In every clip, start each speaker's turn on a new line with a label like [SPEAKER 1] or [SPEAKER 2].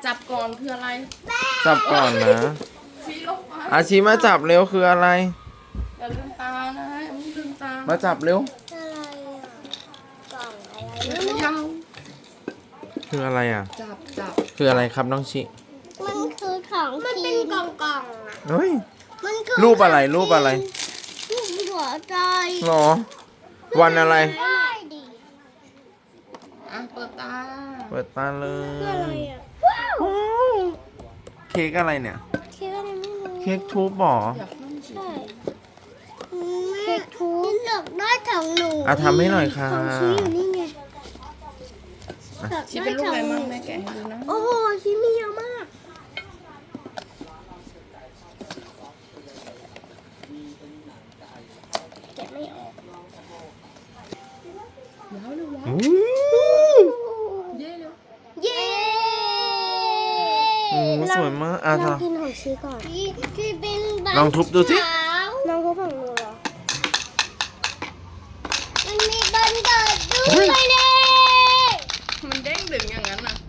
[SPEAKER 1] จับก่อนคืออะไร
[SPEAKER 2] จับก่อนนะ
[SPEAKER 1] ชี้ลงมา
[SPEAKER 2] อาชีมาจับเร็วคืออะไร
[SPEAKER 1] อย่าลืมตานะอย่าลืมตา
[SPEAKER 2] มาจับเร็ว
[SPEAKER 3] อะไรอ่ะกล่องอะไร
[SPEAKER 1] อย่า
[SPEAKER 3] ไม่
[SPEAKER 1] เข
[SPEAKER 3] รู้
[SPEAKER 1] ย่า
[SPEAKER 2] คืออะไรอ่ะ
[SPEAKER 1] จับ
[SPEAKER 2] คืออะไรครับน้องชิ
[SPEAKER 3] มันคือของมันเป็นกล่องอ่ะ
[SPEAKER 2] เฮ้ย
[SPEAKER 3] มันคือ
[SPEAKER 2] รูปอะไรรูปอะไร
[SPEAKER 3] รูปหัวใจ
[SPEAKER 2] หรอ วันอะไร
[SPEAKER 3] ได้ดิ
[SPEAKER 1] อ่ะเปิดตา
[SPEAKER 2] เปิดตาเล
[SPEAKER 3] คืออะไร
[SPEAKER 2] ย
[SPEAKER 3] อ่ะว้าว
[SPEAKER 2] เค้กอะไรเนี่ย
[SPEAKER 3] เค้กอะไรไม่รู้
[SPEAKER 2] เค้กทูบหรอ
[SPEAKER 1] อยากนั่งสิ
[SPEAKER 3] ใช่เค้กทูบเลือกได้ของหนู
[SPEAKER 2] อ่ะทำให้หน่อยค่ะ
[SPEAKER 3] ของชี้อยู่นี่ไง
[SPEAKER 1] ชี้เป็นรูปอะไรมั่งแม่แกะให้ดูนะ
[SPEAKER 3] โอ้โหชี้มีเยอะมากแกะไม่ออก
[SPEAKER 1] ว้าวเลยว้าว
[SPEAKER 2] อู้
[SPEAKER 1] เย่เลย
[SPEAKER 3] เย้
[SPEAKER 2] หูสวยมากอ่ะ
[SPEAKER 3] ลอง
[SPEAKER 2] ทำ
[SPEAKER 3] กินของชี้ก่อนที่เป็นใบ
[SPEAKER 2] ลองทุบดูสิ
[SPEAKER 3] ขาวลองทุบของหนูเหรอมันมีบันเกิดด้วยเลย
[SPEAKER 1] มันเด้งดึงอย่างนั้นน่ะ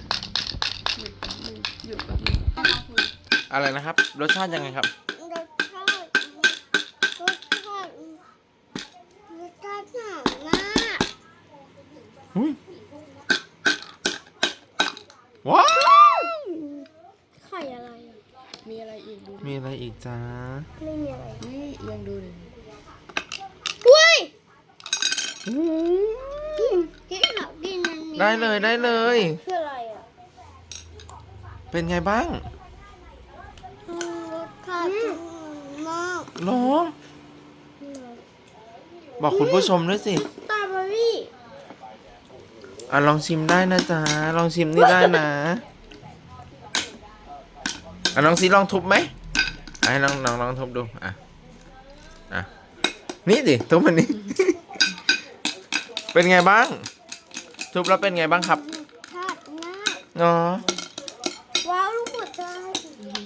[SPEAKER 1] หยุดแป๊บนึง
[SPEAKER 2] อะไรนะครับ รสชาติยังไงครับ
[SPEAKER 3] รสชาติรสชาติรสชาติหอมมาก
[SPEAKER 2] อุ้ยว้าว
[SPEAKER 3] ไข่อะไรอ่ะ
[SPEAKER 1] มีอะไรอีกดูดิ
[SPEAKER 2] มีอะไรอีกจ้า
[SPEAKER 3] ไม่มีอะไร
[SPEAKER 1] นี่เอียงดูดิ
[SPEAKER 3] อุ้ย
[SPEAKER 2] อู้
[SPEAKER 3] ที่เขากินมันมี
[SPEAKER 2] ได้เลยได้เลย
[SPEAKER 3] คืออะไรอ่ะ
[SPEAKER 2] เป็นไงบ้าง
[SPEAKER 3] รสชาติมาก
[SPEAKER 2] หรอ บอกคุณผู้ชมด้วยสิ
[SPEAKER 3] สตรอเบอรี่
[SPEAKER 2] อ่ะลองชิมได้นะจ๊ะ ลองชิมนี่ได้นะอ่ะน้องซีลองทุบไหมอ่ะให้ลองทุบดู อ่ะ อ่ะ นี่ดิทุบมันนี่ เป็นไงบ้าง ทุบแล้วเป็นไงบ้างครับ
[SPEAKER 3] ชาติมาก
[SPEAKER 2] อ๋อ
[SPEAKER 1] อ